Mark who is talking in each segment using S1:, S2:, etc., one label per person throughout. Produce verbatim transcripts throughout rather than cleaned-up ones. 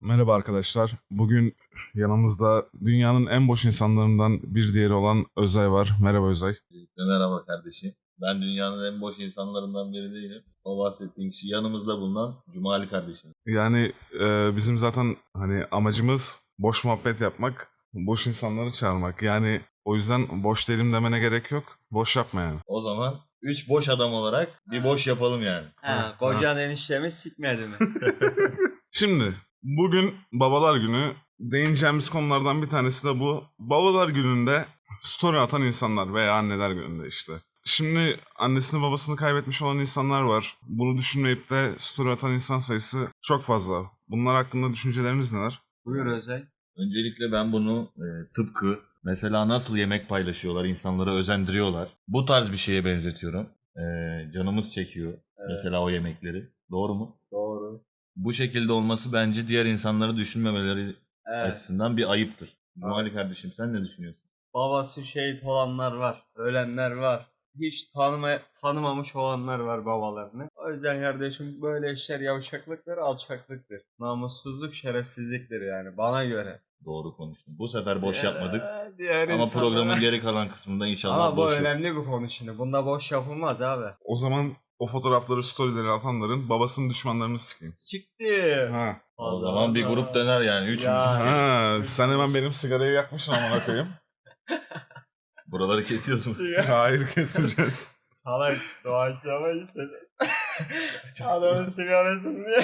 S1: Merhaba arkadaşlar. Bugün yanımızda dünyanın en boş insanlarından bir diğeri olan Özay var. Merhaba Özay.
S2: Merhaba kardeşim. Ben dünyanın en boş insanlarından biri değilim. O bahsettiğin kişi yanımızda bulunan Cumali kardeşim.
S1: Yani e, bizim zaten hani amacımız boş muhabbet yapmak, boş insanları çağırmak. Yani o yüzden boş değilim demene gerek yok. Boş yapma yani.
S2: O zaman üç boş adam olarak bir boş yapalım yani.
S3: Ha, kocan eniştemi sikmedi mi?
S1: Şimdi bugün Babalar Günü. Değineceğimiz konulardan bir tanesi de bu. Babalar Günü'nde story atan insanlar veya anneler gününde işte. Şimdi annesini babasını kaybetmiş olan insanlar var. Bunu düşünmeyip de story atan insan sayısı çok fazla. Bunlar hakkında düşünceleriniz neler?
S3: Buyur Özay.
S2: Öncelikle ben bunu e, tıpkı mesela nasıl yemek paylaşıyorlar, insanları özendiriyorlar. Bu tarz bir şeye benzetiyorum. E, canımız çekiyor mesela o yemekleri. Doğru mu?
S3: Doğru.
S2: Bu şekilde olması bence diğer insanları düşünmemeleri
S3: Evet.
S2: açısından bir ayıptır. Cumali kardeşim sen ne düşünüyorsun?
S3: Babası şehit olanlar var. Ölenler var. Hiç tanıma, tanımamış olanlar var babalarını. O yüzden kardeşim böyle işler yavşaklıktır, alçaklıktır. Namussuzluk, şerefsizliktir yani bana göre.
S2: Doğru konuştun. Bu sefer boş yapmadık.
S3: Ee, diğer
S2: Ama
S3: insanlara-
S2: programın geri kalan kısmında inşallah
S3: Ama bu
S2: boş yok.
S3: önemli bir konu şimdi. Bunda boş yapılmaz abi.
S1: O zaman o fotoğrafları, storyleri atanların babasının düşmanlarını sikeyim.
S3: Siktir.
S1: Ha.
S2: O zaman bir grup döner yani. Üçümüz.
S3: Ya.
S1: Ha, sen hemen benim sigarayı yakmışsın amına koyayım.
S2: Buraları kesiyorsun.
S1: Hayır, kesmeyeceğiz.
S3: Salak doğaçlama istedi. Adamın sigarasını diye.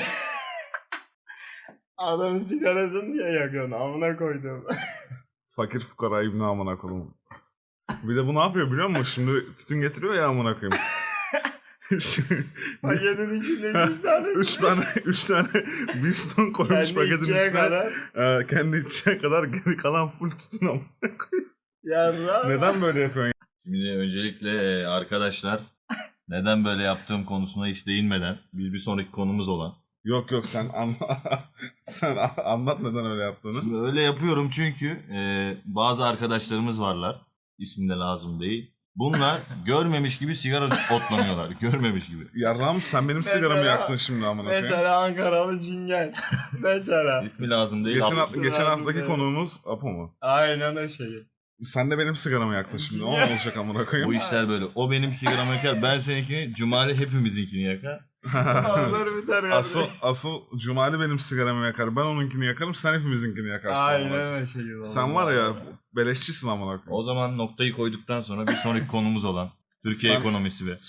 S3: Adamın sigarasını diye yakıyorsun. Amına koydum.
S1: Fakir fukara ibni amına koyayım. Bir de bu ne yapıyor biliyor musun? Şimdi tütün getiriyor ya amına koyayım. Şimdi-
S3: Paketin içinde üç tane.
S1: üç tane üç tane Winston koymuş
S3: Kendi
S1: paketin
S3: içeceği
S1: içine.
S3: kadar.
S1: E, kendi içeceği kadar geri kalan full tütün amına koyayım.
S3: Yarra.
S1: Neden böyle yapıyorsun?
S2: Şimdi öncelikle e, arkadaşlar neden böyle yaptığım konusuna hiç değinmeden biz bir sonraki konumuz olan.
S1: Yok yok sen anla sen a- anlat neden öyle yaptığını.
S2: Şimdi öyle yapıyorum çünkü e, bazı arkadaşlarımız varlar. İsim de lazım değil. Bunlar görmemiş gibi sigara otlanıyorlar. Görmemiş gibi.
S1: Yarrağım sen benim
S3: Mesela-
S1: sigaramı yaktın şimdi amına koyayım.
S3: Mesela Ankaralı cingen. Mesela.
S2: İsmi lazım değil.
S1: Geçen,
S2: Abla-
S1: hafta, geçen
S3: lazım
S1: haftaki
S3: değil.
S1: konuğumuz Apo mu?
S3: Aynen o şey.
S1: Sen de benim sigaramı yaktın şimdi. O ne olacak amına koyayım?
S2: Bu işler böyle. O benim sigaramı yakar. Ben seninkini, Cumali hepimizinkini yakar.
S3: Onlar biter ya.
S1: asıl asıl Cumali benim sigaramı yakar. Ben onunkini yakarım. Sen hepimizinkini yakarsın. amına koyayım.
S3: Aynen o şey.
S1: Sen var ya beleşçisin amına koyayım.
S2: O zaman noktayı koyduktan sonra bir sonraki konumuz olan Türkiye
S1: Sen-
S2: ekonomisi ve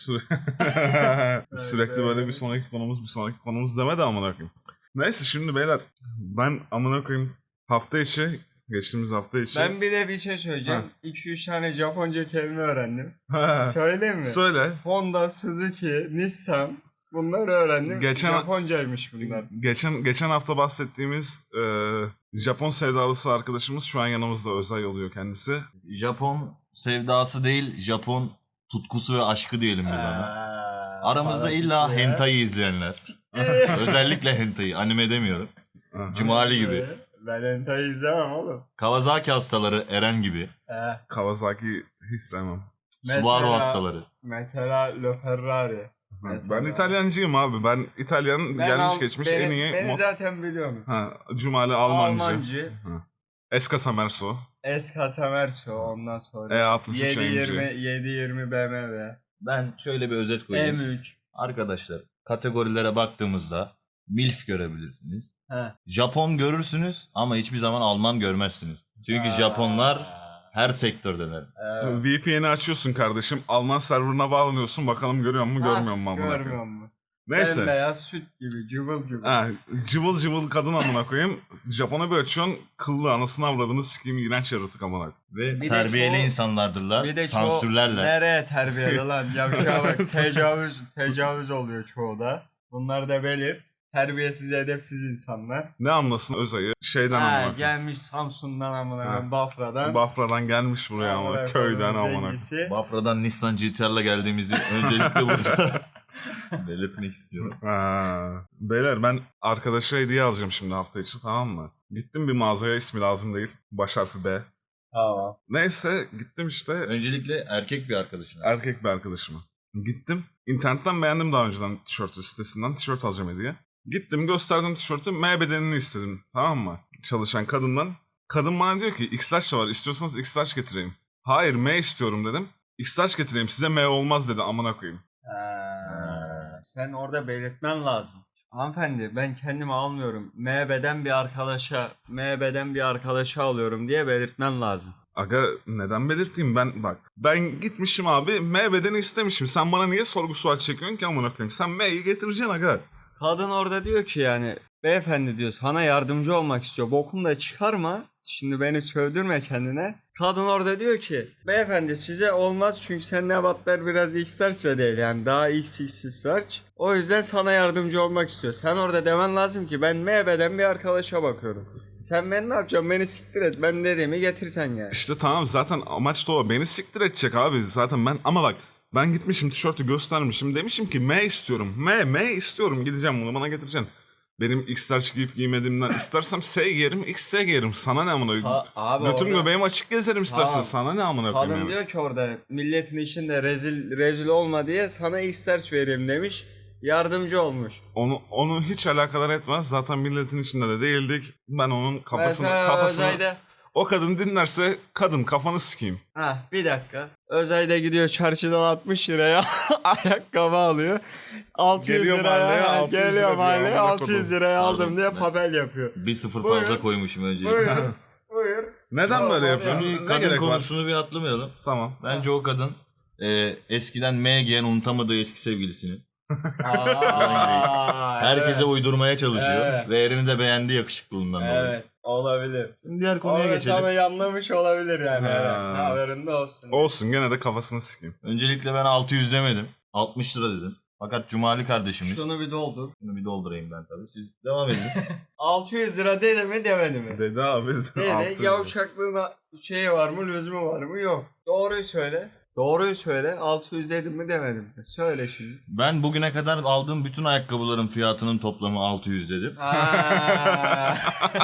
S1: Sü- Sürekli böyle bir sonraki konumuz bir sonraki konumuz deme de amına koyayım. Neyse şimdi beyler ben amına koyayım hafta içi geçtiğimiz hafta içi.
S3: Ben bir de bir şey söyleyeceğim. iki üç tane Japonca kelime öğrendim.
S1: Ha,
S3: Söyleyeyim mi?
S1: Söyle.
S3: Honda, Suzuki, Nissan bunları öğrendim.
S1: Geçen-
S3: Japoncaymış bunlar.
S1: Geçen geçen hafta bahsettiğimiz e, Japon sevdalısı arkadaşımız şu an yanımızda. Özay oluyor kendisi.
S2: Japon sevdası değil, Japon tutkusu ve aşkı diyelim biz ona.
S3: Aa,
S2: Aramızda
S3: para
S2: illa
S3: gitti ya.
S2: hentai izleyenler. Özellikle hentai, anime demiyorum.
S1: Aha.
S2: Cumali gibi.
S3: Ben hentai izlemem oğlum.
S2: Kawasaki hastaları Eren gibi.
S3: Ee,
S1: Kawasaki hiç sevmem.
S2: Subaru hastaları.
S3: Mesela Le Ferrari. Mesela-
S1: Ben İtalyancıyım abi. Ben İtalyan
S3: Ben
S1: gelmiş
S3: Al-
S1: geçmiş
S3: beni,
S1: en iyi.
S3: Beni
S1: mo-
S3: zaten biliyorsunuz.
S1: ha, Cumali Almancı.
S3: Almancı.
S1: Ha. Escasa Merso.
S3: S Casamerso ondan sonra.
S1: E altmış üç
S3: yedi yirmi
S1: A M G.
S3: yedi yirmi B M W.
S2: Ben şöyle bir özet koyayım.
S3: M üç.
S2: Arkadaşlar kategorilere baktığımızda MILF görebilirsiniz.
S3: He.
S2: Japon görürsünüz ama hiçbir zaman Alman görmezsiniz. Çünkü Japonlar her sektördeler.
S3: Evet.
S1: V P N'i açıyorsun kardeşim. Alman serverına bağlanıyorsun. Bakalım görüyor mu görmüyor mu amına koyayım.
S3: Görmüyor mu?
S1: Neyse.
S3: Bembeyaz süt gibi cıvıl cıvıl.
S1: Ha, cıvıl cıvıl kadın amına koyayım. Japon'a bir açıyorsun. Kıllı anasını avradını sikeyim iğrenç yaratık amına.
S2: Ve
S3: Bir de
S2: terbiyeli
S3: çoğu-
S2: insanlardırlar.
S3: Bir de çoğu
S2: Sansürlerler.
S3: nereye terbiyeli lan? Yavşağa bak tecavüz, tecavüz oluyor çoğu da. Bunlar da belir. Terbiyesiz, edepsiz insanlar.
S1: Ne anlasın Özay'ı? Şeyden
S3: Ha,
S1: amına koyayım.
S3: gelmiş Samsun'dan amına
S1: Ha.
S3: koyayım, Bafra'dan.
S1: Bafra'dan gelmiş buraya
S3: Amına
S1: ama
S3: koyayım,
S1: köyden amına.
S3: zengisi.
S2: Bafra'dan Nissan G T R'la geldiğimizi öncelikle burada belirtmek istiyorum.
S1: Ha. Beyler ben arkadaşa hediye alacağım şimdi hafta içi, tamam mı? Gittim bir mağazaya, ismi lazım değil. Baş harfi B.
S3: Tamam.
S1: Neyse gittim işte,
S2: Öncelikle erkek bir arkadaşına.
S1: erkek bir arkadaşıma. Gittim. İnternetten beğendim daha önceden tişörtü, sitesinden tişört alacağım hediye. Gittim gösterdim tişörtü, M bedenini istedim, tamam mı? Çalışan kadından. Kadın bana diyor ki X large da var, istiyorsanız X large getireyim. Hayır, M istiyorum dedim. X large getireyim, size M olmaz dedi, amına koyayım.
S3: Ha, sen orada belirtmen lazım. Hanımefendi, ben kendimi almıyorum. M beden bir arkadaşa, M beden bir arkadaşa alıyorum diye belirtmen lazım.
S1: Aga neden belirteyim ben, bak. Ben gitmişim abi, M bedeni istemişim. Sen bana niye sorgu sual çekiyorsun ki amına koyayım? Sen M'yi getireceksin aga.
S3: Kadın orada diyor ki yani, beyefendi diyor, sana yardımcı olmak istiyor. Bokunu da çıkarma. Şimdi beni sövdürme kendine. Kadın orada diyor ki, beyefendi size olmaz çünkü senin ebatlar biraz X-Large değil, yani daha X X large. O yüzden sana yardımcı olmak istiyor. Sen orada demen lazım ki ben M beden bir arkadaşa bakıyorum. Sen ben ne yapacağım, beni siktir et, ben dediğimi getirsen yani.
S1: İşte tamam, zaten amaç da o. Beni siktir edecek abi zaten ben. Ama bak, ben gitmişim tişörtü göstermişim. Demişim ki M istiyorum. M, M istiyorum. Gideceğim bunu bana getireceksin. Benim X large giyip giymediğimden istersem S giyerim, X S giyerim. Sana ne amına koyayım?
S3: Ha, abi
S1: Götüm
S3: orada-
S1: göbeğim açık gezerim istersen.
S3: Tamam.
S1: Sana ne amına koyayım
S3: Kadın
S1: yani?
S3: diyor ki orada milletin içinde rezil rezil olma diye sana X-Large vereyim demiş. Yardımcı olmuş.
S1: Onu onu hiç alakadar etmez. Zaten milletin içinde de değildik. Ben onun kafasını
S3: Mesela
S1: kafasını
S3: Özay'da
S1: o kadın dinlerse kadın kafanı sikeyim.
S3: ha bir dakika. Özay'da gidiyor çarşıdan altmış liraya ayakkabı alıyor. altı yüz
S1: Geliyor
S3: liraya
S1: mahalleye,
S3: ha,
S1: altı yüz lira
S3: geliyor
S1: diyor,
S3: mahalleye
S1: amına
S3: altı yüz
S1: kodum.
S3: liraya aldım
S2: Pardon,
S3: diye
S2: ben-
S3: papel yapıyor.
S2: Bir sıfır
S3: Buyur.
S2: fazla koymuşum öncelikle.
S3: Buyur. Buyur.
S1: Neden
S3: Tamam,
S1: böyle
S3: abi.
S1: yapıyorsun?
S2: Şimdi
S1: Ne
S2: kadın
S1: gerek var?
S2: konusunu bir atlamayalım.
S1: Tamam.
S2: Bence o kadın e, eskiden M giyen unutamadığı eski sevgilisini
S3: Aa,
S2: herkese
S3: evet.
S2: uydurmaya çalışıyor.
S3: Evet.
S2: Ve erini de beğendiği yakışıklılığından dolayı.
S3: Evet, olabilir.
S2: Şimdi diğer konuya
S3: Orada
S2: geçelim.
S3: sana yanlamış olabilir yani.
S1: Ha.
S3: Evet. Haberinde olsun.
S1: Olsun, gene de kafasını sikeyim.
S2: Öncelikle ben altı yüz demedim. altmış lira dedim. Fakat Cumali kardeşimiz.
S3: Şunu bir doldur.
S2: Bunu bir doldurayım ben tabii. Siz devam edin.
S3: altı yüz lira dedi mi demedi mi?
S1: Dedi abi.
S3: Dedi.
S1: altı-
S3: Yavşaklığın şeyi var mı, lüzumu var mı? Yok. Doğruyu söyle. Doğruyu söyle. altı yüz dedim mi demedim mi? Söyle şimdi.
S2: Ben bugüne kadar aldığım bütün ayakkabıların fiyatının toplamı altı yüz dedim.
S3: Ha.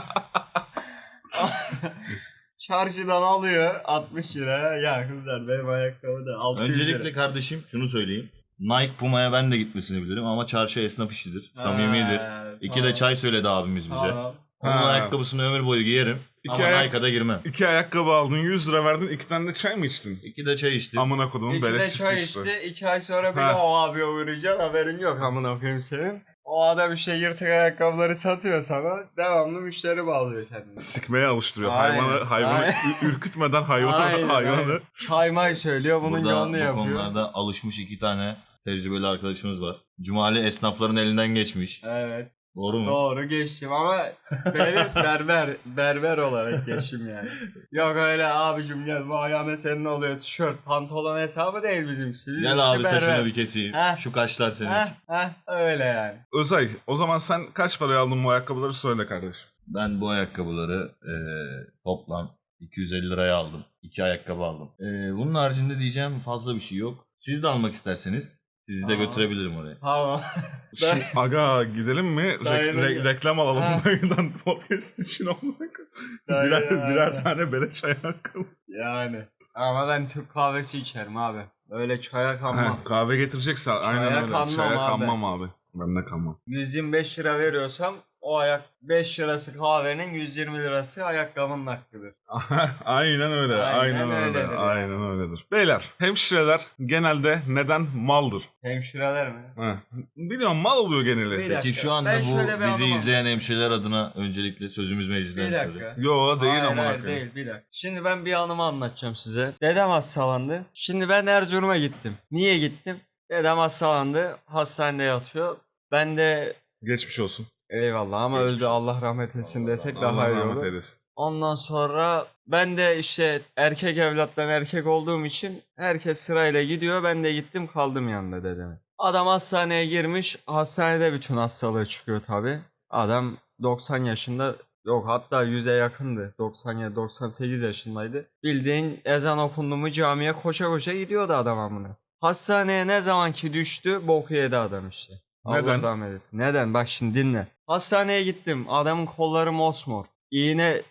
S3: Çarşıdan alıyor altmış liraya. Ya kızlar benim ayakkabı da altı yüz
S2: Öncelikle
S3: lira.
S2: kardeşim şunu söyleyeyim. Nike Puma'ya ben de gitmesini bilirim ama çarşı esnaf işidir. Samimidir.
S3: Ha,
S2: İki
S3: tamam.
S2: de çay söyledi abimiz bize.
S3: Tamam.
S2: Onun
S1: Ha.
S2: ayakkabısını ömür boyu giyerim.
S1: İki
S2: ama
S1: ayak-
S2: Nike'a da girmem.
S1: İki ayakkabı aldın, yüz lira verdin, iki tane de çay mı içtin?
S2: İki de çay içtim.
S1: Amına kodumun
S3: İki de
S1: beleşçisi
S3: çay
S1: işte.
S3: içti. iki ay sonra bir
S1: Ha.
S3: de o abiye uğrayacaksın. Haberin yok amına koyayım senin. O adam işte yırtık ayakkabıları satıyor sana. Devamlı müşteri bağlıyor kendine.
S1: Sikmeye alıştırıyor.
S3: Aynen,
S1: Hayvanı hayvanı
S3: aynen.
S1: ü- ürkütmeden hayvanı
S3: Aynen,
S1: hayvanı.
S3: aynen. Çay may söylüyor, bunun
S2: Burada
S3: yolunu
S2: bu
S3: yapıyor.
S2: konularda alışmış iki tane tecrübeli arkadaşımız var. Cumali esnafların elinden geçmiş.
S3: Evet.
S2: Doğru mu?
S3: Doğru geçtim ama benim berber berber olarak geçtim yani. Yok öyle abicim gel bu ayağına senin oluyor tişört pantolon hesabı değil bizimkisi. Bizimkisi
S2: Gel abi
S3: berber.
S2: saçını bir keseyim.
S3: Heh.
S2: Şu kaşlar senin
S3: Heh,
S2: için.
S3: heh, öyle yani.
S1: Özay, o zaman sen kaç paraya aldın bu ayakkabıları söyle kardeşim.
S2: Ben bu ayakkabıları e, toplam iki yüz elli liraya aldım. İki ayakkabı aldım. E, bunun haricinde diyeceğim fazla bir şey yok. Siz de almak isterseniz sizi de
S3: Aa.
S2: götürebilirim oraya.
S3: Tamam.
S1: Şimdi, aga gidelim mi? Re-
S3: Dayanamıyor.
S1: re- reklam alalım
S3: Ha.
S1: bundan podcast için amına koyayım.
S3: Dayanamıyor.
S1: birer, birer tane beleş ayakkabı.
S3: Yani. Ama ben Türk kahvesi içerim abi. Öyle çaya kanmam.
S1: He, kahve getirecekse aynen
S3: Çaya
S1: öyle.
S3: kanmam
S1: Çaya
S3: abi.
S1: kanmam abi. Ben de kanmam.
S3: yüz yirmi beş lira veriyorsam o ayak beş lirası kahvenin yüz yirmi lirası ayakkabının hakkıdır.
S1: Aynen öyle.
S3: Aynen
S1: Aynen, öyle.
S3: öyledir yani.
S1: Aynen öyledir. Beyler, hemşireler genelde neden maldır?
S3: Hemşireler mi?
S1: He. Biliyorum, mal oluyor geneli.
S3: Bir dakika.
S2: Peki şu anda
S3: Ben
S2: bu
S3: şöyle bir
S2: bizi
S3: anlamam.
S2: izleyen hemşireler adına öncelikle sözümüz
S3: Bir
S2: meclisten
S3: dakika.
S2: söyleyeyim.
S1: Yo değil
S3: hayır,
S1: ama.
S3: hayır, değil bir dakika. Şimdi ben bir anımı anlatacağım size. Dedem hastalandı. Şimdi ben Erzurum'a gittim. Niye gittim? Dedem hastalandı. Hastanede yatıyor. Ben de
S1: Geçmiş olsun.
S3: eyvallah ama
S1: Geçmiş
S3: öldü
S1: olsun.
S3: Allah rahmet etsin desek
S1: Allah
S3: daha iyi
S1: rahmet
S3: olur.
S1: eylesin.
S3: Ondan sonra ben de işte erkek evlattan erkek olduğum için herkes sırayla gidiyor. Ben de gittim kaldım yanında dedeme. Adam hastaneye girmiş. Hastanede bütün hastalığı çıkıyor tabi. Adam doksan yaşında, yok hatta yüze yakındı. doksan yedi doksan sekiz yaşındaydı. Bildiğin ezan okundu mu camiye koşa koşa gidiyordu adam amına. Hastaneye ne zaman ki düştü boku yedi adam işte.
S1: Neden?
S3: Allah rahmet eylesin. Neden? Bak şimdi dinle. Hastaneye gittim. Adamın kolları mosmor. İğne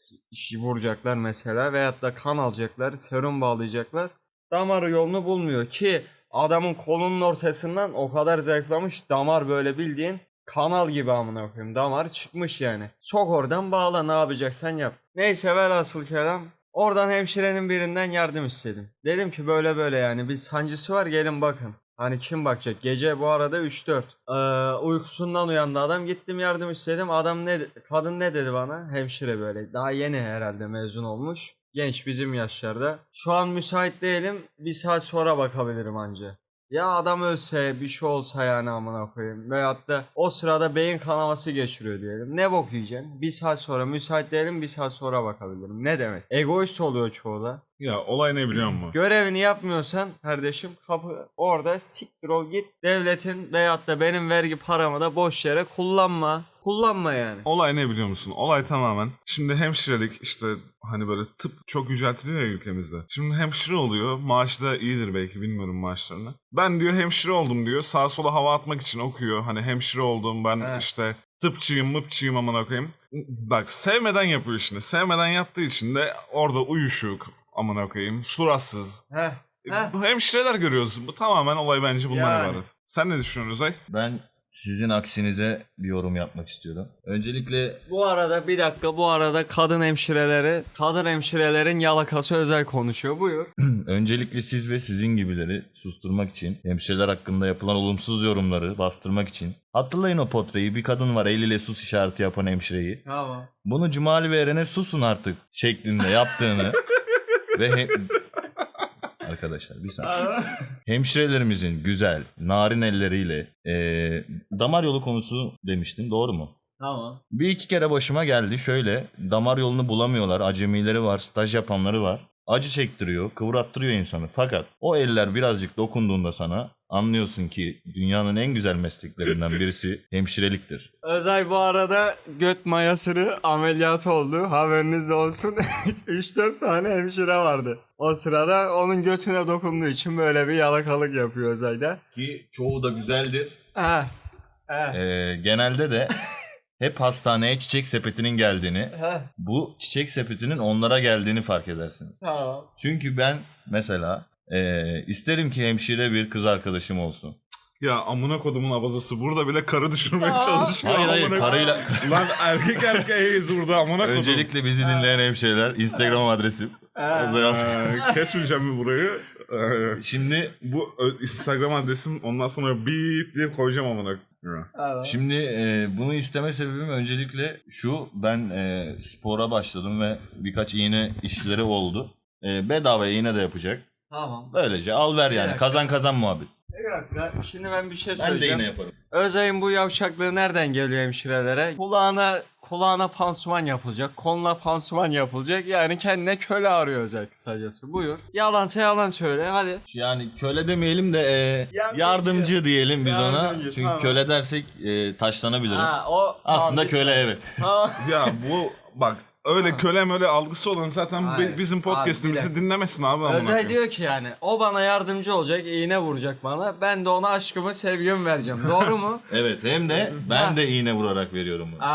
S3: s- vuracaklar mesela veyahut da kan alacaklar, serum bağlayacaklar. Damar yolunu bulmuyor ki adamın kolunun ortasından o kadar zayıflamış damar böyle bildiğin kanal gibi amına koyayım. Damar çıkmış yani. Sok oradan bağla, ne yapacaksan yap. Neyse velhasıl kelam. Oradan hemşirenin birinden yardım istedim. Dedim ki böyle böyle yani bir sancısı var, gelin bakın. Hani kim bakacak? Gece bu arada üç dört. Ee, uykusundan uyandı adam. Gittim yardım istedim. Adam ne kadın ne dedi bana? Hemşire böyle. Daha yeni herhalde mezun olmuş. Genç, bizim yaşlarda. Şu an müsait değilim. Bir saat sonra bakabilirim anca. Ya adam ölse, bir şey olsa yani amına koyayım. Veyahut da o sırada beyin kanaması geçiriyor diyelim. Ne bok yiyeceksin? Bir saat sonra müsait değilim, bir saat sonra bakabilirim. Ne demek? Egoist oluyor çoğu da.
S1: Ya olay ne biliyor musun?
S3: Görevini yapmıyorsan kardeşim, kapı orada, siktir ol git. Devletin veyahut da benim vergi paramı da boş yere kullanma. Kullanma yani.
S1: Olay ne biliyor musun? Olay tamamen şimdi hemşirelik işte hani böyle tıp çok yüceltiliyor ya ülkemizde. Şimdi hemşire oluyor. Maaşı da iyidir belki, bilmiyorum maaşlarını. Ben diyor hemşire oldum diyor. Sağa sola hava atmak için okuyor. Hani hemşire oldum ben
S3: He.
S1: işte tıpçıyım mıpçıyım amına koyayım. Bak sevmeden yapıyor işini. Sevmeden yaptığı için de orada uyuşuk amına koyayım. Suratsız.
S3: Heh. Heh.
S1: Bu hemşireler görüyoruz. Bu tamamen olay bence bundan
S3: Yani.
S1: ibaret. Sen ne düşünüyorsun Özay?
S2: Ben sizin aksinize bir yorum yapmak istiyorum. Öncelikle
S3: Bu arada bir dakika, bu arada kadın hemşireleri, kadın hemşirelerin yalakası özel konuşuyor. Buyur.
S2: öncelikle siz ve sizin gibileri susturmak için, hemşireler hakkında yapılan olumsuz yorumları bastırmak için. Hatırlayın o potreyi, bir kadın var eliyle sus işareti yapan hemşireyi.
S3: Tamam.
S2: Bunu Cumali ve Eren'e susun artık şeklinde yaptığını ve he- arkadaşlar bir saniye. Hemşirelerimizin güzel, narin elleriyle eee, damar yolu konusu demiştin, doğru mu?
S3: Tamam.
S2: Bir iki kere başıma geldi. Şöyle, damar yolunu bulamıyorlar, acemileri var, staj yapanları var. Acı çektiriyor, kıvrattırıyor insanı. Fakat o eller birazcık dokunduğunda sana anlıyorsun ki dünyanın en güzel mesleklerinden birisi hemşireliktir.
S3: Özay bu arada göt mayasını ameliyatı oldu. Haberiniz olsun. üç dört tane hemşire vardı. O sırada onun götüne dokunduğu için böyle bir yalakalık yapıyor Özay'da.
S2: Ki çoğu da güzeldir.
S3: Ha. Ha.
S2: Ee, genelde de hep hastaneye çiçek sepetinin geldiğini,
S3: Ha.
S2: bu çiçek sepetinin onlara geldiğini fark edersiniz.
S3: Tamam.
S2: Çünkü ben mesela ee, isterim ki hemşire bir kız arkadaşım olsun.
S1: Ya amına kodumun abazası burada bile karı düşürmeye
S3: Aa.
S1: çalışıyor.
S2: Hayır hayır
S1: Amına-
S2: karıyla...
S1: Lan erkek erkeğiz burada amına kodum.
S2: Öncelikle bizi dinleyen hemşireler Instagram adresim.
S3: Ha.
S2: Özay Altın.
S1: Ee, kesmeyeceğim mi burayı? Ee,
S2: Şimdi
S1: bu ö- Instagram adresim, ondan sonra bip diye koyacağım amına.
S3: Tamam.
S2: şimdi e, bunu isteme sebebim öncelikle şu: ben e, spora başladım ve birkaç iğne işleri oldu. E, bedava iğne de yapacak.
S3: Tamam.
S2: Böylece al ver
S3: Bir
S2: yani,
S3: dakika.
S2: kazan kazan muhabbet.
S3: Bir dakika. Şimdi ben bir şey
S2: Ben de
S3: söyleyeceğim.
S2: iğne yaparım.
S3: Özay'ın bu yavşaklığı nereden geliyor hemşirelere? Kulağına kulağına pansuman yapılacak, koluna pansuman yapılacak. Yani kendine köle arıyor Özay kısacası. Buyur. Yalansa yalan söyle hadi.
S2: Yani köle demeyelim de e,
S3: Yardımcı.
S2: yardımcı diyelim biz ona.
S3: Yardımcı,
S2: Çünkü
S3: tamam.
S2: köle dersek e, taşlanabilirim.
S3: Ha, o
S2: Aslında
S3: tamam,
S2: köle, evet.
S3: Tamam.
S1: Ya bu bak öyle kölem öyle algısı olan zaten
S3: Hayır.
S1: bi- bizim
S3: Abi,
S1: podcast'imizi
S3: bir dakika.
S1: dinlemesin abi amına
S3: Özay
S1: koyayım.
S3: diyor ki yani o bana yardımcı olacak, iğne vuracak bana. Ben de ona aşkımı, sevgimi vereceğim. Doğru mu?
S2: Evet, hem de ben de iğne vurarak veriyorum bunu.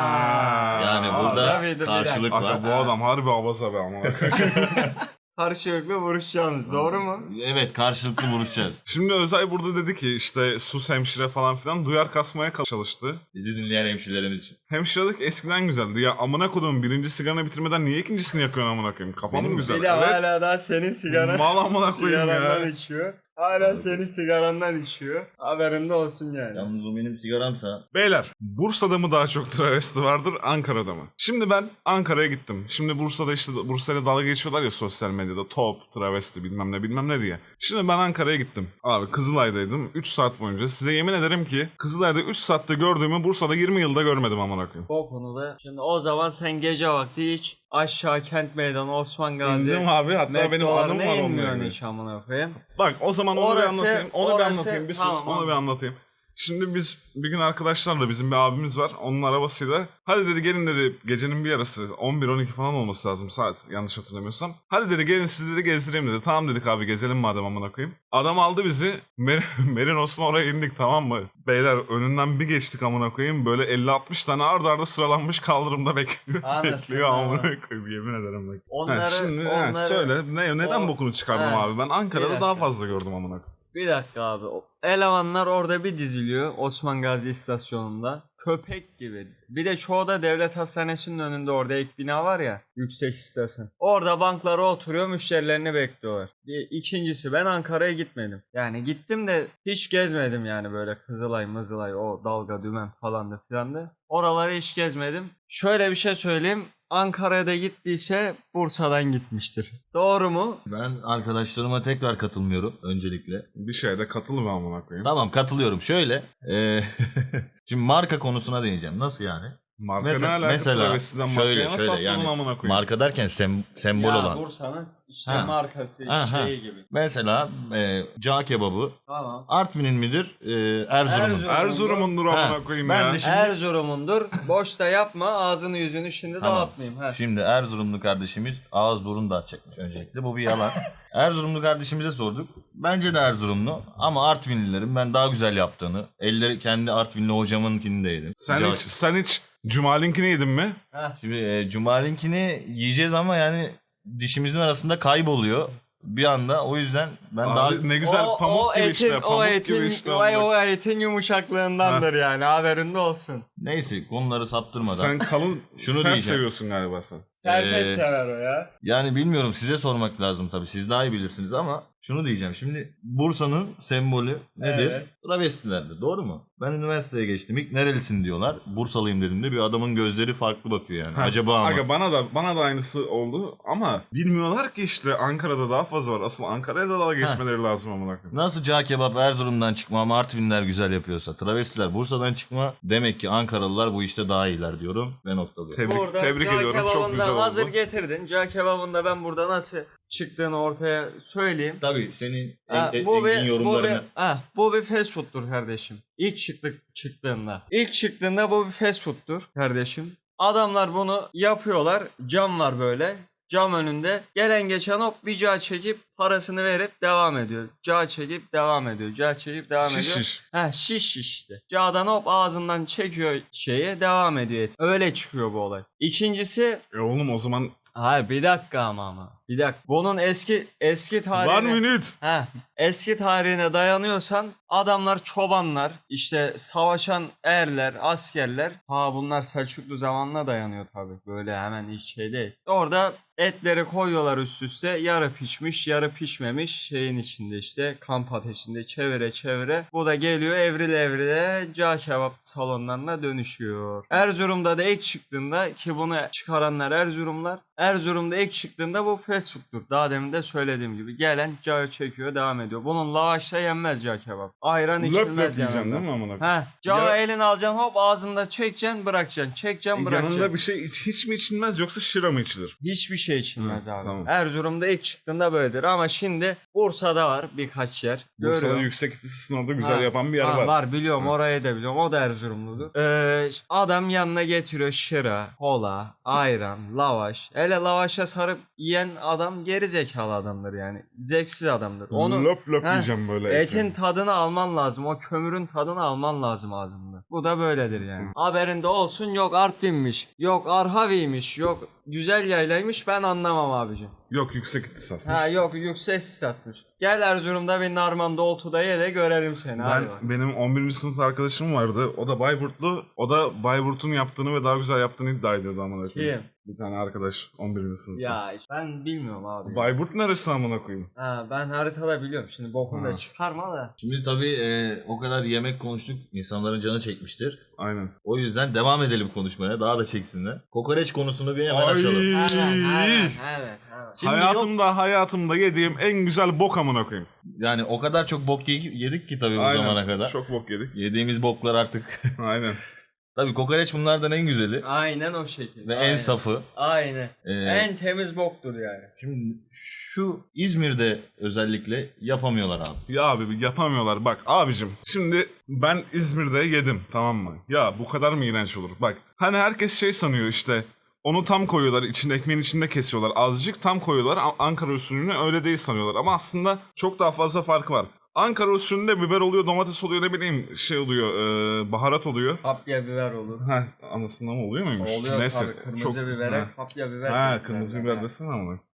S3: Aa.
S2: Yani
S1: Aa,
S2: burada
S3: tabii, tabii.
S2: karşılık
S1: Aga
S2: var.
S1: bu adam harbi abaza be amına koyayım.
S3: Karşılıklı vuruşacağınız. Doğru mu?
S2: Evet, karşılıklı vuruşacağız.
S1: Şimdi Özay burada dedi ki işte sus hemşire falan filan duyar kasmaya çalıştı.
S2: Bizi dinleyen hemşirelerimiz için.
S1: Hemşirelik eskiden güzeldi. Ya amına koduğum birinci sigaranı bitirmeden niye ikincisini yakıyorsun amına koyayım? Kafam
S2: Benim
S1: mı güzel?
S3: Bir de
S1: Evet.
S3: hala daha senin sigaran.
S1: Mal amına koyayım ya.
S3: sigarandan içiyor. Hala senin sigarandan içiyor. Haberinde olsun yani.
S2: Yalnız o benim sigaramsa.
S1: Beyler, Bursa'da mı daha çok travesti vardır, Ankara'da mı? Şimdi ben Ankara'ya gittim. Şimdi Bursa'da işte Bursa'yla dalga geçiyorlar ya sosyal medyada. Top, travesti bilmem ne bilmem ne diye. Şimdi ben Ankara'ya gittim. Abi Kızılay'daydım. üç saat boyunca. Size yemin ederim ki Kızılay'da üç saatte gördüğümü Bursa'da yirmi yılda görmedim amına koyayım.
S3: O konuda. Şimdi o zaman sen gece vakti hiç aşağı Kent Meydanı, Osman Gazi,
S1: İndim abi, hatta benim
S3: metrolarına
S1: anım var onunla
S3: inmiyorsun
S1: ilgili.
S3: hiç amına koyayım.
S1: Bak o zaman onu
S3: Orası-
S1: bir anlatayım. Onu bir
S3: orası-
S1: anlatayım. Bir sus,
S3: tamam,
S1: onu bir
S3: anladım.
S1: anlatayım. Şimdi biz bir gün arkadaşlarla bizim bir abimiz var. Onun arabasıyla hadi dedi gelin dedi gecenin bir yarısı on bir on iki falan olması lazım saat yanlış hatırlamıyorsam. Hadi dedi gelin sizi dedi gezdireyim dedi. Tamam dedik abi gezelim madem amına koyayım. Adam aldı bizi Mer- Merinos'un oraya indik tamam mı? Beyler önünden bir geçtik amına koyayım. Böyle elli altmış tane arda arda sıralanmış kaldırımda bekliyor.
S3: Anasını
S1: bekliyor amına
S3: ama.
S1: koyayım yemin ederim bak.
S3: Onları,
S1: Ha, şimdi ha,
S3: onları...
S1: söyle ne, neden
S3: o-
S1: bokunu çıkardım
S3: Ha,
S1: abi? Ben
S3: bir
S1: Ankara'da
S3: dakika.
S1: daha fazla gördüm amına koyayım.
S3: Bir dakika abi. O elemanlar orada bir diziliyor Osman Gazi istasyonunda. Köpek gibi. Bir de çoğu da devlet hastanesinin önünde orada ek bina var ya. Yüksek istasyon. Orada banklara oturuyor, müşterilerini bekliyorlar. Bir, ikincisi ben Ankara'ya gitmedim. Yani gittim de hiç gezmedim yani böyle Kızılay mızılay o dalga dümen falandı filandı. Oraları hiç gezmedim. Şöyle bir şey söyleyeyim. Ankara'ya da gittiyse Bursa'dan gitmiştir. Doğru mu?
S2: Ben arkadaşlarıma tekrar katılmıyorum öncelikle.
S1: Bir şeye katıl be amına koyayım.
S2: Tamam katılıyorum. Şöyle. E, şimdi marka konusuna değineceğim. Nasıl yani?
S1: Marka
S2: Mesela-
S1: ne alaka?
S2: mesela
S1: Travestiden
S2: şöyle,
S1: markaya nasıl
S2: şöyle,
S1: atladın
S2: yani
S1: amına koyayım?
S2: Marka derken sem- sembol
S3: Ya
S2: olan.
S3: Bursa'nın işte
S2: Ha.
S3: markası
S2: Ha, ha.
S3: şeyi gibi.
S2: Mesela e, cağ kebabı
S3: Tamam.
S2: Artvin'in midir? E, Erzurum'un.
S3: Erzurum.
S1: Erzurum'undur
S2: Ha,
S1: amına koyayım
S2: ben
S1: ya.
S2: de şimdi-
S3: Erzurum'undur. Boş da yapma. Ağzını yüzünü şimdi
S2: Tamam.
S3: dağıtmayayım. Ha.
S2: Şimdi Erzurumlu kardeşimiz ağız burun dağıtacakmış öncelikle. Bu bir yalan. Erzurumlu kardeşimize sorduk. Bence de Erzurumlu ama Artvinlilerin ben daha güzel yaptığını, elleri kendi Artvinli hocamınkini de yedim.
S1: Sen
S2: Cağ-
S1: hiç, sen hiç Cumalinkini yedin mi?
S3: Ha.
S2: Şimdi e, Cumalinkini yiyeceğiz ama yani dişimizin arasında kayboluyor bir anda. O yüzden ben
S1: Abi
S2: daha
S1: ne güzel
S3: O-
S1: pamuk
S3: o
S1: gibi
S3: etin,
S1: işte. Pamuk
S3: o etin,
S1: gibi işte.
S3: o,
S1: amına-
S3: o etin yumuşaklığındandır yani. Haberinde olsun.
S2: neyse konuları saptırmadan.
S1: Sen kalın,
S2: Şunu
S1: sert
S2: diyeceğim.
S1: seviyorsun galiba sen.
S3: Serpet
S2: Ee,
S3: sever o ya.
S2: Yani bilmiyorum size sormak lazım tabii. Siz daha iyi bilirsiniz ama şunu diyeceğim. Şimdi Bursa'nın sembolü nedir?
S3: Evet.
S2: Travestilerdir. Doğru mu? Ben üniversiteye geçtim. İlk nerelisin diyorlar. Bursalıyım dediğimde bir adamın gözleri farklı bakıyor yani.
S1: Ha,
S2: Acaba ama.
S1: Aga bana da bana da aynısı oldu ama bilmiyorlar ki işte Ankara'da daha fazla var. Asıl Ankara'ya da daha geçmeleri lazım amına koyayım.
S2: Nasıl cağ kebap Erzurum'dan çıkma ama Artvinler güzel yapıyorsa, travestiler Bursa'dan çıkma, demek ki Ankaralılar bu işte daha iyiler diyorum ve noktalıyorum.
S1: Tebrik,
S3: Burada
S1: tebrik
S3: cağ
S1: ediyorum. Çok
S3: kebabından
S1: güzel oldu.
S3: hazır getirdin. Cağ kebabında ben burada nasıl çıktığını ortaya söyleyeyim.
S2: Tabii senin
S3: Ha,
S2: en,
S3: bu
S2: engin
S3: bir, bu
S2: yorumlarını.
S3: bir, ha, bu bir fast food'tur kardeşim. İlk çıktık çıktığında. İlk çıktığında bu bir fast food'tur kardeşim. Adamlar bunu yapıyorlar. Cam var böyle. Cam önünde. Gelen geçen hop bir cağ çekip parasını verip devam ediyor. Cağ çekip devam ediyor. Cağ çekip devam
S1: Şiş
S3: ediyor.
S1: şiş.
S3: Ha şiş şiş işte. Cağdan hop ağzından çekiyor şeye devam ediyor. et. Öyle çıkıyor bu olay. İkincisi
S1: E oğlum o zaman
S3: hayır bir dakika ama ama. Bir dakika. Bunun eski eski tarihine...
S1: one minute.
S3: Ha, eski tarihine dayanıyorsan adamlar çobanlar, işte savaşan erler, askerler. Ha bunlar Selçuklu zamanına dayanıyor tabii. Böyle hemen hiç şey değil. Orada etleri koyuyorlar üst üste. Yarı pişmiş, yarı pişmemiş şeyin içinde işte kamp ateşinde çevire çevire. Bu da geliyor evrile evrile cağ kebap salonlarına dönüşüyor. Erzurum'da da ilk çıktığında ki bunu çıkaranlar Erzurumlar. Erzurum'da ilk çıktığında bu fast food'tur. Daha demin de söylediğim gibi. Gelen cağ çekiyor devam ediyor. Bunun lavaşla yenmez cağ kebap. Ayran
S1: Löp löp
S3: içilmez
S1: yiyeceksin
S3: yanında.
S1: değil mi amına koyayım?
S3: Ha, cağı
S1: Ya-
S3: elini alacaksın hop ağzında çekeceksin bırakacaksın. Çekeceksin bırakacaksın.
S1: Yanında bir şey hiç, hiç mi içilmez yoksa şıra mı içilir?
S3: Hiçbir şey içilmez
S1: Hı,
S3: abi.
S1: tamam.
S3: Erzurum'da ilk çıktığında böyledir ama şimdi Bursa'da var birkaç yer.
S1: Bursa'da
S3: Görüyorum.
S1: yüksek ihtisasını orada güzel
S3: Ha,
S1: yapan bir yer
S3: ha,
S1: var.
S3: Var biliyorum
S1: Hı.
S3: orayı da biliyorum. O da Erzurumludur. Ee, adam yanına getiriyor şıra, kola, ayran, lavaş. Hele lavaşa sarıp yiyen adam geri zekalı adamdır yani. Zevksiz adamdır. Onu
S1: löp löp
S3: Ha,
S1: yiyeceğim böyle.
S3: etin tadını alman lazım. O kömürün tadını alman lazım ağzında. Bu da böyledir yani. Haberinde olsun yok Artvin'miş, yok Arhavi'ymiş, yok güzel yaylaymış ben anlamam abicim.
S1: Yok yüksek ihtisas.
S3: Ha yok yüksek satmış. Gel Erzurum'da bir Narman Doğutu'da ye de görelim seni. Hadi bak.
S1: Ben benim on birinci sınıf arkadaşım vardı. O da Bayburtlu. O da Bayburt'un yaptığını ve daha güzel yaptığını iddia ediyordu amına koyayım.
S3: Kim?
S1: Bir tane arkadaş on birinci sınıfta.
S3: Ya ben bilmiyorum abi. ya.
S1: Bayburt neresi amına koyayım?
S3: Ha, ben haritada biliyorum. Şimdi bokunu
S1: Ha.
S3: da çıkarma da.
S2: Şimdi tabii e, o kadar yemek konuştuk. İnsanların canı çekmiştir.
S1: Aynen.
S2: O yüzden devam edelim konuşmaya. Daha da çeksinler. Kokoreç konusunu bir hemen
S1: Ay.
S2: açalım.
S3: Evet, evet, evet, evet.
S2: Şimdi
S1: hayatımda hayatımda yediğim en güzel bok amına koyayım.
S2: Yani o kadar çok bok ye- yedik ki tabii bu
S1: Aynen.
S2: zamana kadar.
S1: Çok bok yedik.
S2: Yediğimiz boklar artık.
S1: Aynen.
S2: Tabii kokoreç bunlardan en güzeli.
S3: Aynen o şekilde.
S2: Ve
S3: Aynen.
S2: en safı.
S3: Aynen.
S2: Ee,
S3: En temiz boktur yani.
S2: Şimdi şu İzmir'de özellikle yapamıyorlar abi.
S1: Ya abi yapamıyorlar. Bak abicim şimdi ben İzmir'de yedim tamam mı? Ya bu kadar mı iğrenç olur? Bak hani herkes şey sanıyor işte onu tam koyuyorlar içinde ekmeğin içinde kesiyorlar azıcık tam koyuyorlar A- Ankara usulüne öyle değil sanıyorlar ama aslında çok daha fazla farkı var. Ankara usulünde biber oluyor domates oluyor ne bileyim şey oluyor e, baharat oluyor.
S3: Kapya biber olur.
S1: Ha anasında mı oluyor muymuş?
S3: Oluyor
S1: Neyse.
S3: tabii. Kırmızı
S1: çok-
S3: bibere
S1: ha.
S3: kapya biber.
S1: Ha
S3: derler.
S1: kırmızı biber desene ama.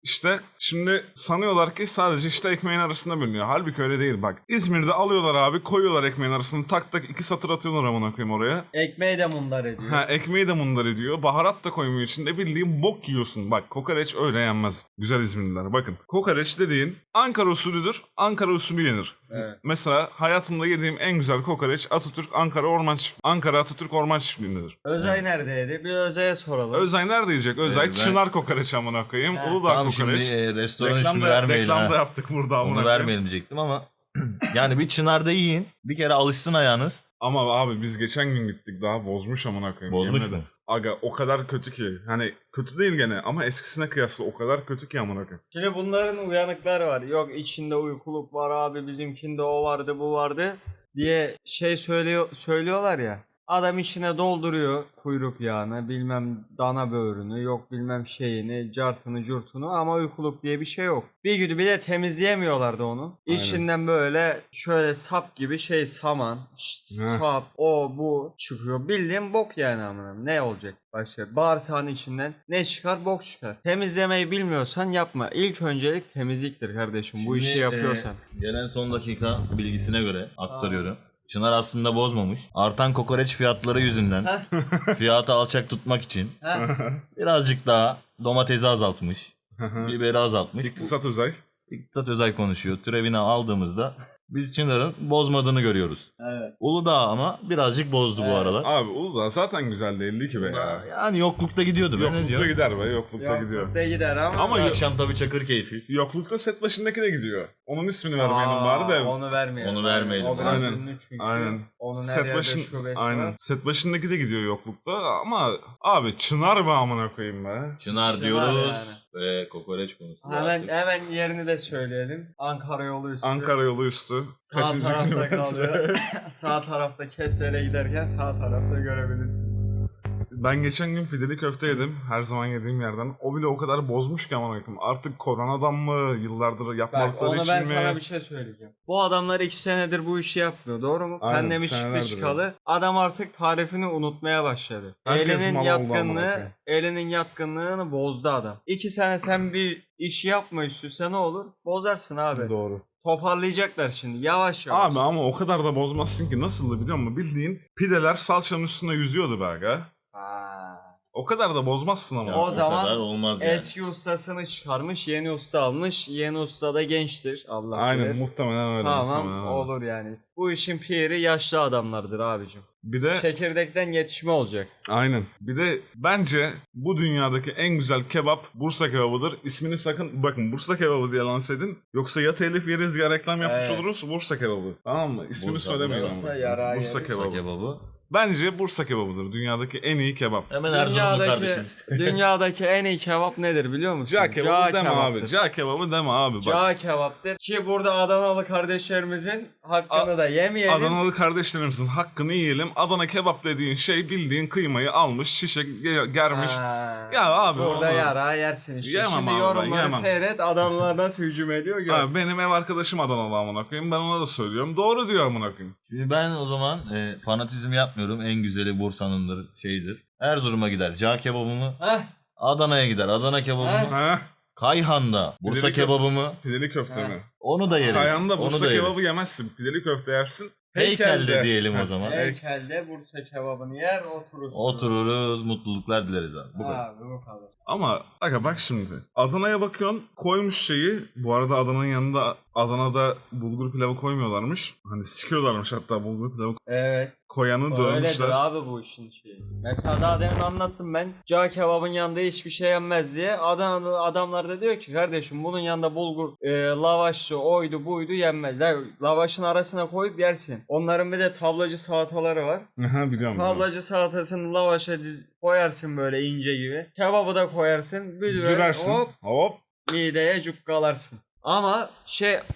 S1: İşte şimdi sanıyorlar ki sadece işte ekmeğin arasında bölünüyor. Halbuki öyle değil bak. İzmir'de alıyorlar abi, koyuyorlar ekmeğin arasına, tak tak iki satır atıyorlar amına koyayım oraya.
S3: Ekmeği de mundar ediyor.
S1: Ha, ekmeği de mundar ediyor. Baharat da koymuyor içinde, bildiğin bok yiyorsun. Bak kokoreç öyle yenmez. Güzel İzmirliler bakın. Kokoreç dediğin Ankara usulüdür. Ankara usulü yenir.
S3: Evet.
S1: Mesela hayatımda yediğim en güzel kokoreç Atatürk Ankara Orman Çift- Ankara Atatürk Orman Çiftliği'ndedir.
S3: Özay neredeydi? Bir Özay'a soralım.
S1: Özay nerede yiyecek? Özay
S2: Evet, ben-
S1: Çınar kokoreç amına koyayım.
S3: Ha.
S1: Uludağ
S2: Tamam
S1: kokoreç.
S2: şimdi e, restoran
S1: Reklam
S2: ismini
S1: da,
S2: vermeyelim.
S1: reklam da
S2: ha.
S1: yaptık burada amına
S2: Onu
S1: koyayım.
S2: vermeyelim diyecektim ama yani bir Çınar'da yiyin. Bir kere alışsın ayağınız.
S1: Ama abi biz geçen gün gittik, daha bozmuş amına koyayım.
S2: Bozmuş
S1: Yemin
S2: mu?
S1: ederim. Aga o kadar kötü ki. Hani kötü değil gene ama eskisine kıyasla o kadar kötü ki amına koyayım.
S3: Şimdi bunların uyanıkları var. Yok içinde uykuluk var abi, bizimkinde o vardı bu vardı diye şey söylüyor söylüyorlar ya. Adam içine dolduruyor kuyruk yağını, bilmem dana böğrünü, yok bilmem şeyini, cartını curtunu ama uykuluk diye bir şey yok. Bir gün bir de temizleyemiyorlardı onu.
S1: Aynen.
S3: İçinden böyle şöyle sap gibi şey saman, ş-
S1: Heh.
S3: sap, o bu çıkıyor. Bildiğin bok yani amına. Ne olacak başka? Bağırsağın içinden ne çıkar? Bok çıkar. Temizlemeyi bilmiyorsan yapma. İlk öncelik temizliktir kardeşim. Bu işi
S2: Şimdi,
S3: yapıyorsan.
S2: e, gelen son dakika bilgisine göre aktarıyorum. Çınar aslında bozmamış. Artan kokoreç fiyatları yüzünden
S3: Heh,
S2: fiyatı alçak tutmak için
S3: heh.
S2: birazcık daha domatesi azaltmış. Biberi azaltmış.
S1: İktisat Özay.
S2: İktisat Özay konuşuyor. Türevini aldığımızda biz Çınar'ın bozmadığını görüyoruz.
S3: Evet.
S2: Uludağ ama birazcık bozdu bu
S3: Evet.
S2: aralar.
S1: Abi Uludağ zaten güzel değildi ki be ya.
S2: Yani yoklukta gidiyordu. Ben ne
S1: Yoklukta
S2: diyorum?
S1: gider be, yoklukta gidiyor.
S3: Yoklukta gider ama.
S1: Ama
S2: Bir
S1: yok-
S2: akşam tabii çakır keyfi.
S1: Yoklukta set başındaki de gidiyor. Onun ismini vermeyelim
S3: Aa,
S1: bari de.
S3: Onu vermeyelim.
S2: Onu vermeyelim.
S3: O biraz
S1: Aynen,
S3: ünlü çünkü.
S1: aynen.
S3: Onun her
S1: Set
S3: yerde
S1: başın,
S3: şubesi
S1: aynen.
S3: var.
S1: Set başındaki de gidiyor yoklukta ama abi Çınar be amına koyayım be.
S2: Çınar
S3: Çınar
S2: diyoruz
S3: yani.
S2: ve kokoreç konusu.
S3: Hemen
S2: artık.
S3: hemen yerini de söyleyelim. Ankara yolu üstü.
S1: Ankara yolu üstü.
S3: Sağ
S1: Kaçıncı
S3: tarafta
S1: kilometre?
S3: kalıyor. Sağ tarafta Kestel'e giderken sağ tarafta görebilirsiniz.
S1: Ben geçen gün pideli köfte yedim. Her zaman yediğim yerden. O bile o kadar bozmuş ki amına koyayım. Artık koronadan mı, yıllardır
S3: Bak
S1: yapmadıkları
S3: onu
S1: için
S3: ben
S1: mi?
S3: sana bir şey söyleyeceğim. Bu adamlar iki senedir bu işi yapmıyor, doğru mu?
S1: Aynen,
S3: Pandemi
S1: senelerdir
S3: çıktı çıkalı. Adam artık tarifini unutmaya başladı.
S1: Herkes
S3: Elinin
S1: mal oldu amına
S3: yatkınlığı,
S1: koyayım.
S3: elinin yatkınlığını bozdu adam. İki sene sen bir iş yapma üstüse ne olur? Bozarsın abi.
S1: Doğru.
S3: Toparlayacaklar şimdi yavaş yavaş.
S1: Abi ama o kadar da bozmazsın ki. Nasıldı biliyor musun? Bildiğin pideler salçanın üstünde yüzüyordu be aga.
S3: Ha.
S1: O kadar da bozmazsın ama.
S3: Ya, O zaman
S2: kadar olmaz yani.
S3: Eski ustasını çıkarmış, yeni usta almış. Yeni usta da gençtir. Allah
S1: Aynen
S3: bilir.
S1: muhtemelen öyle.
S3: Tamam
S1: muhtemelen öyle.
S3: olur yani. Bu işin piri yaşlı adamlardır abicim.
S1: Bir de
S3: Çekirdekten yetişme olacak.
S1: aynen. Bir de bence bu dünyadaki en güzel kebap Bursa kebabıdır. İsmini sakın bakın Bursa kebabı diye lanse edin. Yoksa ya telif yeriz ya reklam yapmış
S3: Evet.
S1: oluruz. Bursa kebabı. Tamam mı? İsmini
S2: Bursa,
S1: söylemeyin
S3: Bursa
S1: ama.
S3: yarağı
S1: Bursa
S3: yeriz.
S1: kebabı.
S2: Kebabı.
S1: Bence Bursa kebabıdır. Dünyadaki en iyi kebap.
S2: Hemen Erzurumlu kardeşimiz.
S3: dünyadaki en iyi kebap nedir biliyor musun?
S1: Ca kebabı deme
S3: kebaptır.
S1: abi. Ca kebabı deme abi. Bak.
S3: Ca kebaptır. Ki burada Adanalı kardeşlerimizin hakkını da yemeyelim.
S1: Adanalı kardeşlerimizin hakkını yiyelim. Adana kebap dediğin şey bildiğin kıymayı almış, şişe ge- germiş.
S3: Ha.
S1: Ya abi
S3: Burada
S1: onu-
S3: yarağı yersin işte.
S1: Yemem
S3: Şimdi
S1: abi ben,
S3: yorumları
S1: yemem.
S3: seyret. Adanalılar nasıl hücum ediyor gör.
S1: Abi benim ev arkadaşım Adanalı amına koyayım. Ben ona da söylüyorum. Doğru diyor amına koyayım.
S2: Şimdi ben o zaman e, fanatizm yapmıyorum. En güzeli Bursa'nındır, şeydir. Erzurum'a gider cağ kebabımı.
S3: Heh.
S2: Adana'ya gider Adana kebabımı.
S3: Heh.
S1: Ha?
S2: Kayhan'da Bursa
S1: Pideli köfte.
S2: kebabımı.
S1: Pideli köfte
S3: Ha.
S1: mi?
S2: Onu da yeriz.
S1: Kayanda
S2: Onu
S1: Bursa
S2: da yeriz.
S1: kebabı yemezsin. Pideli köfte yersin.
S2: Heykelde diyelim o zaman.
S3: Heykelde Bursa kebabını yer oturursun.
S2: Otururuz, mutluluklar dileriz abi. Bu kadar.
S3: Abi bu kadar.
S1: Ama aga bak şimdi. Adana'ya bakıyorsun koymuş şeyi. Bu arada Adana'nın yanında Adana'da bulgur pilavı koymuyorlarmış. Hani sikiyorlarmış hatta bulgur pilavı
S3: Evet.
S1: koyanı
S3: Öyledir
S1: dövmüşler.
S3: abi bu işin şeyi. Mesela daha demin anlattım ben. Cağ kebabın yanında hiçbir şey yenmez diye. Adana'da adamlar da diyor ki kardeşim bunun yanında bulgur, e, lavaşı, oydu buydu yenmez. La, lavaşın arasına koyup yersin. Onların bir de tablacı salataları var.
S1: Aha biliyorum. biliyorum.
S3: Tablacı salatasını lavaşa diz, koyarsın böyle ince gibi. Kebabı da koyarsın. Bir düver,
S1: Dürersin.
S3: hop
S1: Hop.
S3: mideye cukkalarsın. Ama şey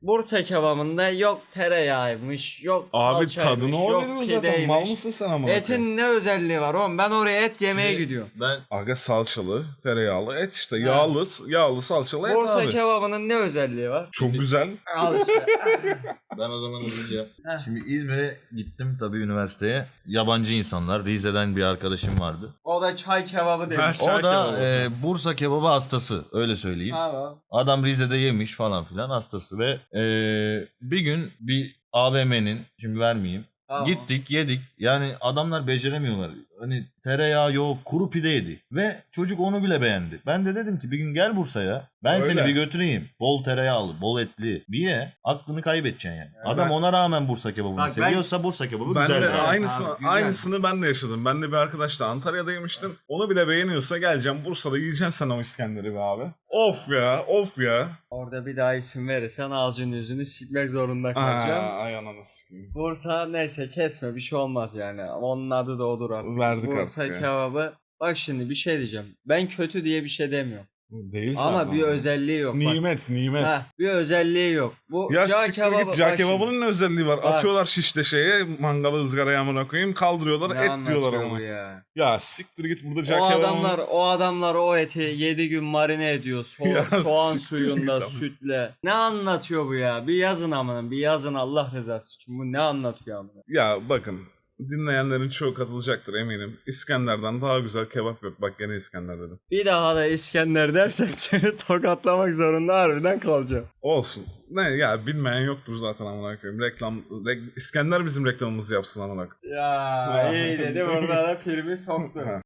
S3: Bursa kebabında yok tereyağıymış, yok
S1: Abi
S3: salçaymış,
S1: tadını o
S3: yok
S1: veriyor zaten. Mal
S3: pideymiş.
S1: mısın sen ama?
S3: Etin ne özelliği var oğlum? Ben oraya et yemeye
S2: Şimdi
S3: gidiyorum.
S2: Ben
S1: Aga salçalı, tereyağlı et işte.
S3: Ha.
S1: Yağlı, yağlı salçalı et
S3: Bursa
S1: abi.
S3: kebabının ne özelliği var?
S1: Çok güzel.
S3: Al işte.
S2: ben o zaman hızlıca.
S3: Heh.
S2: Şimdi İzmir'e gittim tabii üniversiteye. Yabancı insanlar. Rize'den bir arkadaşım vardı.
S3: O da çay kebabı demiş.
S1: Çay
S2: O da
S1: kebabı.
S2: e, Bursa kebabı hastası öyle söyleyeyim.
S3: Tamam.
S2: Adam Rize'de yemiş falan filan hastası ve e, bir gün bir A V M'nin şimdi vermeyeyim.
S3: Tamam.
S2: Gittik yedik yani adamlar beceremiyorlar. Hani tereyağı yok kuru pide yedi ve çocuk onu bile beğendi. Ben de dedim ki bir gün gel Bursa'ya ben
S1: Öyle.
S2: seni bir götüreyim. Bol tereyağlı bol etli bir ye aklını kaybedeceksin yani. Adam
S1: ben-
S2: ona rağmen Bursa kebabını
S3: Bak ben-
S2: seviyorsa Bursa kebabı
S1: Ben
S2: güzel.
S1: de
S2: yani.
S1: aynısını,
S3: Abi, güzel.
S1: aynısını ben de yaşadım. Ben de bir arkadaşla Antalya'da yemiştim. Onu bile beğeniyorsa geleceğim Bursa'da yiyeceksin sen o İskender'i be abi. Of ya, of ya.
S3: Orada bir daha isim verirsen ağzını yüzünü silmek zorunda kalacağım.
S1: Aa, ay ananı sikeyim.
S3: Bursa neyse kesme bir şey olmaz yani. Ama onun adı da odur artık.
S1: Verdik
S3: Bursa
S1: artık ya.
S3: kebabı. Bak şimdi bir şey diyeceğim. Ben kötü diye bir şey demiyorum.
S1: Değil
S3: Ama
S1: zaten.
S3: bir özelliği yok. Bak.
S1: Nimet, nimet.
S3: Heh, bir özelliği yok. Bu
S1: Ya
S3: cağ
S1: siktir
S3: kebabı.
S1: git, cağ
S3: bak
S1: kebabının ne özelliği var?
S3: Bak.
S1: Atıyorlar şişte şeye, mangalı ızgaraya amına koyayım, kaldırıyorlar,
S3: şimdi. Ne
S1: et diyorlar
S3: anlatıyor
S1: ama.
S3: bu ya?
S1: Ya siktir git burada cağ
S3: O
S1: kebabının...
S3: adamlar o adamlar o eti yedi gün marine ediyor. So-
S1: Ya
S3: soğan
S1: siktir
S3: suyunda,
S1: git ama.
S3: sütle. Ne anlatıyor bu ya? Bir yazın amına, bir yazın Allah rızası için. Bu ne anlatıyor amına?
S1: Ya bakın, dinleyenlerin çoğu katılacaktır eminim. İskender'den daha güzel kebap yok. Bak gene İskender dedim.
S3: Bir daha da İskender dersen seni tokatlamak zorunda harbiden kalacağım.
S1: Olsun. Ne ya, bilmeyen yoktur zaten amına koyayım. Reklam, rek- İskender bizim reklamımızı yapsın amına koyayım.
S3: Ya iyi dedi burada da primi soktu.
S1: Ha.